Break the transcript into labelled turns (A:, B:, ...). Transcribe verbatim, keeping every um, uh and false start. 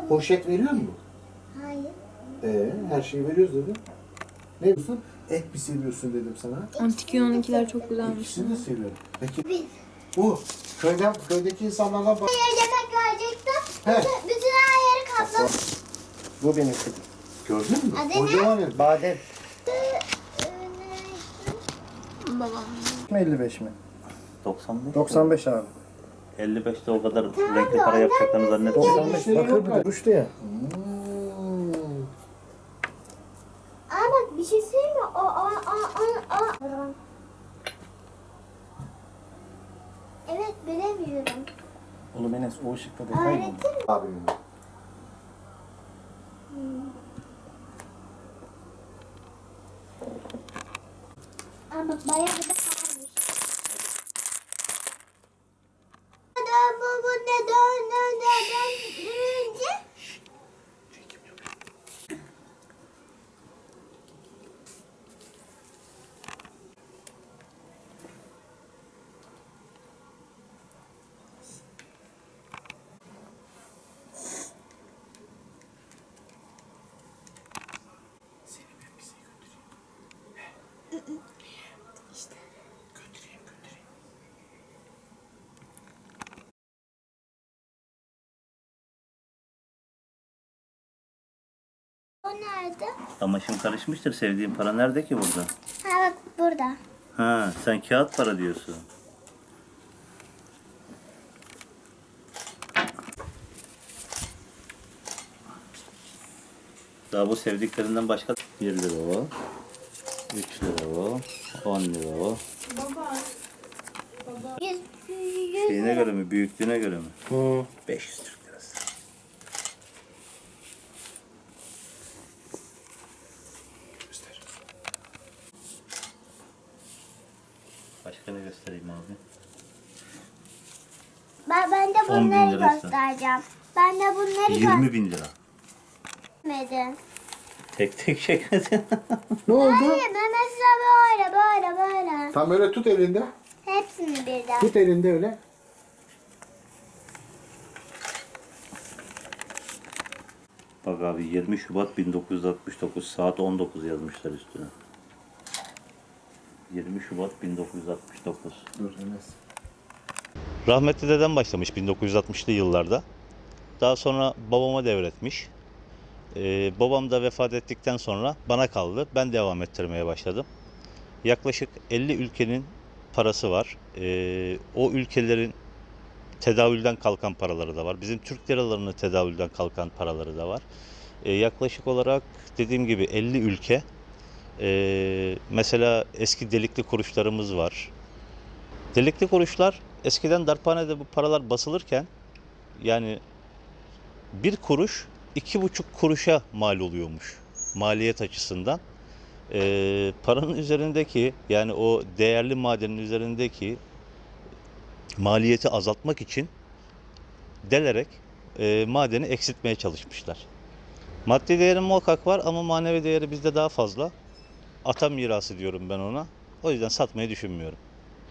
A: Poşet veriyor mu?
B: Hayır.
A: Ee, her şeyi veriyoruz dedim. Ne diyorsun? Et mi seviyorsun dedim sana.
C: Antik Yunan'ınkiler çok güzelmiş.
A: İkisini de seviyorum. Peki
B: Bir.
A: bu köyden, köydeki insanlardan bak.
B: Hayır, yemek verecektim.
A: He.
B: Bütün, bütün her yeri kapladım.
D: Bu benim kızım.
A: Gördün mü?
B: Adı ne?
A: Kocaman el.
D: Badem.
C: Babam.
D: elli beş mi?
E: doksan beş.
D: doksan beş abi.
E: elli beşte o kadar renkli para yapacaklarını zannetmiyorum.
D: doksan beş
A: Yok
D: bakır bir de
A: galiba.
D: düştü ya.
A: Hmm.
B: Aa bak bir şey söyleyeyim mi? O, o, o, o, o. Evet bilemiyorum.
D: Oğlum Enes o ışıkta detay mı?
B: Öğretir mi?
A: Abimin.
B: Aa bak bayağı da kalmış. Dön bu bu ne dön dön dön döndürünce. O nerede?
E: Amaşım karışmıştır. Sevdiğin para nerede ki burada?
B: Ha bak burada.
E: Ha, sen kağıt para diyorsun. Daha bu sevdiklerinden başka bir lira o, üç lira o, on lira o.
B: Yüz, yüz
E: Şeyine göre mi, büyüklüğüne göre mi?
D: Hı.
E: beş yüz Türk lirası. Başka ne göstereyim abi?
B: Ben, ben de
E: on bin
B: bunları
E: lirası.
B: göstereceğim. Ben de bunları
E: yirmi bin lira.
B: göstermedim.
E: Tek tek çekmedin.
A: Ne oldu?
B: Hayır ben mesela böyle böyle böyle.
A: Tam öyle tut elinde.
B: Hepsini birden.
A: Tut elinde öyle.
E: Bak abi yirmi Şubat bin dokuz yüz altmış dokuz saat on dokuz yazmışlar üstüne. yirmi Şubat bin dokuz yüz altmış dokuz.
A: Dur Enes.
E: Rahmetli dedem başlamış bin dokuz yüz altmışlı yıllarda. Daha sonra babama devretmiş. Ee, babam da vefat ettikten sonra bana kaldı. Ben devam ettirmeye başladım. Yaklaşık elli ülkenin parası var. Ee, o ülkelerin tedavülden kalkan paraları da var. Bizim Türk liralarının tedavülden kalkan paraları da var. Ee, yaklaşık olarak dediğim gibi elli ülke. Ee, mesela eski delikli kuruşlarımız var. Delikli kuruşlar eskiden darphanede bu paralar basılırken yani bir kuruş iki buçuk kuruşa mal oluyormuş maliyet açısından. Ee, paranın üzerindeki yani o değerli madenin üzerindeki maliyeti azaltmak için delerek e, madeni eksiltmeye çalışmışlar. Maddi değeri muhakkak var ama manevi değeri bizde daha fazla. Ata mirası diyorum ben ona. O yüzden satmayı düşünmüyorum.